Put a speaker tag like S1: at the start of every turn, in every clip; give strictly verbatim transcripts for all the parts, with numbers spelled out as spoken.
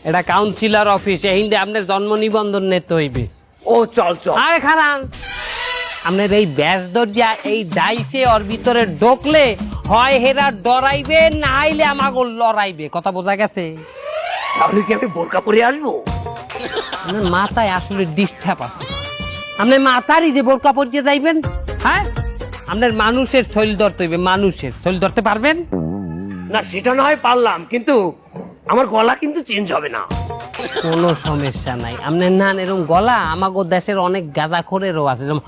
S1: এটা councillor office, এই হিন্দে আপনার জন্ম নিবন্ধন নিতে হইবে।
S2: ও চল চল।
S1: আরে খারান, আপনার এই ব্যাস দরজা এই ডাইসে ওর ভিতরে ঢোকলে হয় হেরা ডরাইবে, না হইলে আমাকে লড়াইবে। কথা বোঝা গেছে?
S2: তাহলে কি আমি বোরকা পরে আসবো?
S1: আপনার মাথায় আসলে ডিস্টার্ব আছে। আপনার মাথারই যে বোরকা পরিয়ে যাইবেন, হ্যাঁ? আপনার মানুষের শৈল ধরতে হইবে, মানুষের শৈল ধরতে পারবেন
S2: না সেটা না হয় পারলাম, কিন্তু আমার গলা কিন্তু চেঞ্জ হবে না।
S1: কোনো সমস্যা নাই। আপনার নান এরকম গলা আমাগো দেশের অনেক গাঁদা খোরেরও আছে, যেমন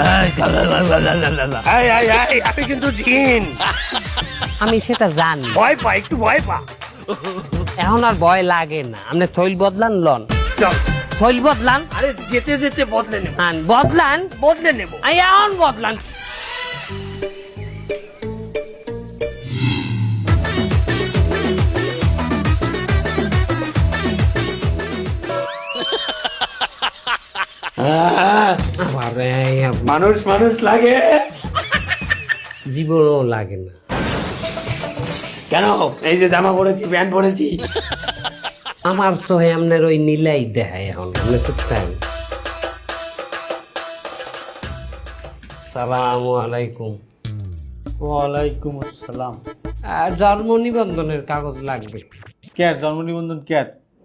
S2: এই, এই, এই, আমি কিন্তু জিন।
S1: আমি সেটা জানি।
S2: ভয় পা, একটু ভয় পা।
S1: এখন আর ভয় লাগে না। আপনি শৈল বদলান, লন
S2: চল।
S1: শৈল বদলান।
S2: আরে যেতে যেতে বদলে নেব।
S1: আন বদলান,
S2: বদলে নেব।
S1: আই এখন বদলান। আবার এই আপ-
S2: মানুষ মানুষ লাগে
S1: জীবনও লাগে না।
S2: কেন? এই যে জামা পরেছি, প্যান্ট পরেছি।
S1: আমার তো আপনার ওই নীলাই দেখায় এখন। আপনি চুপ থাকেন। সালামু আলাইকুম।
S3: ওয়ালাইকুম আসসালাম।
S1: আর জন্ম নিবন্ধনের কাগজ লাগবে।
S3: কে জন্ম নিবন্ধন কে?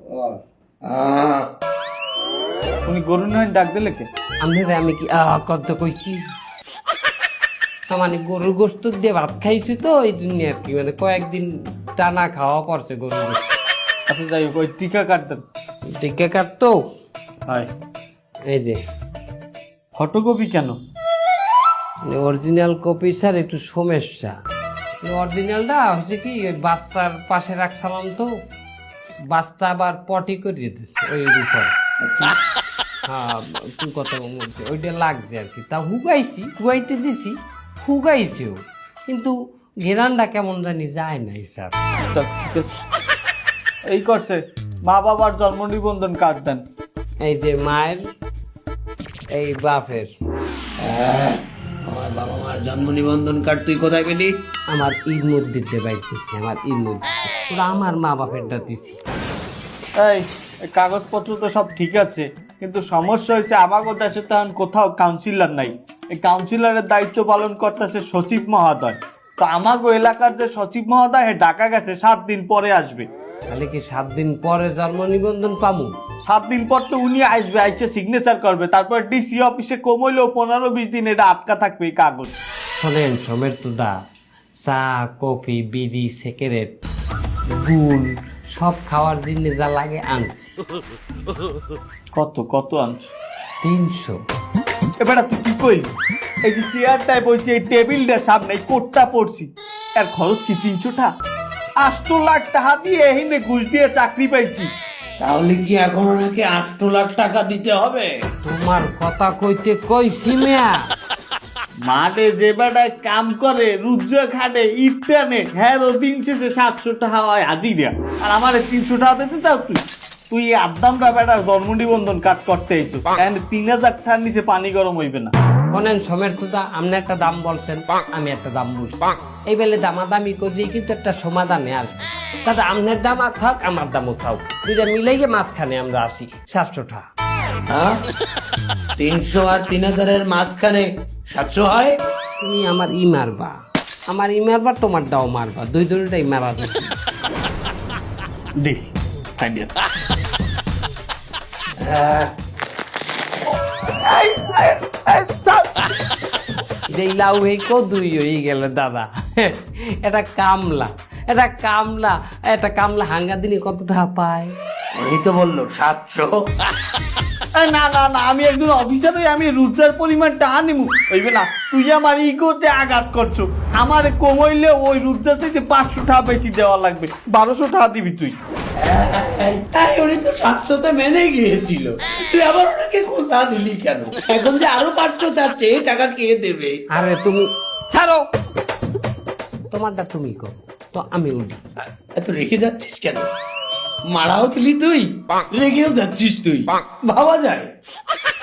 S3: উনি গরু নয় ডাক দিলে কে?
S1: আপনারা আমি কি আহ করতে কইছি? মানে গরুর গোস্ত দিয়ে ভাত খাইছি তো এই জন্য আর কি, মানে কয়েকদিন টানা খাওয়া পড়ছে গরুর গোস্ত।
S3: আচ্ছা যাই হোক, ওই টিকা কাটতেন।
S1: টিকা কাটতো
S3: হয়।
S1: এই যে
S3: ফটোকপি কেন?
S1: অরিজিনাল কপি স্যার একটু সমস্যা। অরিজিনালটা হচ্ছে কি ওই বাচ্চার পাশে রাখছিলাম তো, বাচ্চা আবার পটি করে দিতেছে ওই উপর। হ্যাঁ তুই কথা বলছি, ওইটা লাগছে আর কি। তা হুগাইছি, হুগাইতে দিছি, হুগাইছেও, কিন্তু ঘেরানটা কেমন জানি যায় নাই স্যার।
S3: আচ্ছা ঠিক আছে, এই করছে মা বাবার জন্ম নিবন্ধন কার্ড দেন।
S1: এই যে মায়ের, এই বাপের।
S2: আমার বাবা মার জন্ম নিবন্ধন কার্ড তুই কোথায় পেলি?
S1: আমার ঈদ মসজিদে বাইতেছি, আমার ঈদ মসজিদ, ওরা আমার মা বাপেরটা দিছি।
S3: এই এই কাগজপত্র তো সব ঠিক আছে, কিন্তু সমস্যা হয়েছে আমাদের দেশে তো এখন কোথাও কাউন্সিলর নাই। এই কাউন্সিলরের দায়িত্ব পালন করতেছে সচিব মহোদয়। তো আমাগো এলাকার যে সচিব মহোদয় হে ঢাকা গেছে, সাত দিন পরে আসবে।
S1: তাহলে কি সাত দিন পরে জন্ম নিবন্ধন পামু?
S3: সাত দিন পর তো উনি আসবে, আইসে সিগনেচার করবে, তারপর ডিসি অফিসে কমইলেও পনেরো বিশ দিন এটা আটকা থাকবে এই কাগজ।
S1: শোনেন সমের তুদা, চা কফি বিড়ি সিগারেট গুল সব খাওয়ার জন্য যা লাগে আনছি।
S3: কত কত আনছ?
S1: তিনশো।
S3: এবার তুই কি কইলি? এই যে চেয়ারটায় বলছি, এই টেবিলটার সামনে এই কোটটা পড়ছি, এর খরচ কি তিনশো টাকা? আষ্ট লাখ টাকা দিয়ে এহিনে ঘুষ দিয়ে চাকরি পাইছি।
S2: তাহলে কি এখন ওনাকে আষ্ট লাখ টাকা দিতে হবে?
S1: তোমার কথা কইতে কইছি মিয়া।
S3: মাঠে যে বেটায় কাম করে, রুদ্র খাটে, ইট টানে, হ্যাঁ ও দিন শেষে সাতশো টাকা হয় হাজিরা, আর আমার তিনশো টাকা দিতে চাও তুই? তুই এই আদ্দামটা বেটার জন্ম নিবন্ধন কাট করতে আইছো, তিন হাজার টাকার নিচে পানি গরম হইবে না।
S1: শোনেন সমের তুদা, আপনি একটা দাম বলছেন, আমি একটা দাম বলছি, এই বেলে দামাদামি করি কিন্তু একটা সমাধানে আসবে। দাদা আপনার দাম আর থাক, আমার দামও থাক, দুইটা মিলাইয়ে মাঝখানে আমরা আসি সাতশো টাকা।
S2: হ্যাঁ, তিনশো আর তিন হাজারের মাঝখানে সাতশো হয়।
S1: তুমি আমার ই মারবা, আমার ই মারবা, তোমার দাও মারবা, দুই দুটাই মারা যাবে।
S3: দেখ আইডিয়া।
S1: এই লাউ হেকো দুই হয়ে গেল দাদা। এটা কামলা, এটা কামলা, এটা কামলা হাঙ্গা দিনে কত টাকা পায়?
S2: এই তো বললো সাতশো।
S3: না না না, আমি একজন অফিসার হই, আমি রুদ্রার পরিমাণ টাকা নিমু হইবে না। তুই আমার ইগোতে আঘাত করছো। আমার কমাইলে ওই রুদ্রার থেকে পাঁচশো টাকা বেশি দেওয়া লাগবে, বারোশো টাকা দিবি তুই।
S2: তাই উনি তো সাতশোতে মেনে গিয়েছিল, তুই আবার ওনাকে খোঁজা দিলি কেন? এখন যে আরো পাঁচশো চাচ্ছে, এই টাকা কে দেবে?
S1: আরে তুমি ছাড়ো, তোমারটা তুমি করো তো, আমি উঠি।
S2: এত রেখে যাচ্ছিস কেন? মারাও দিলি তুই, রেখেও যাচ্ছিস তুই, ভাবা যায়?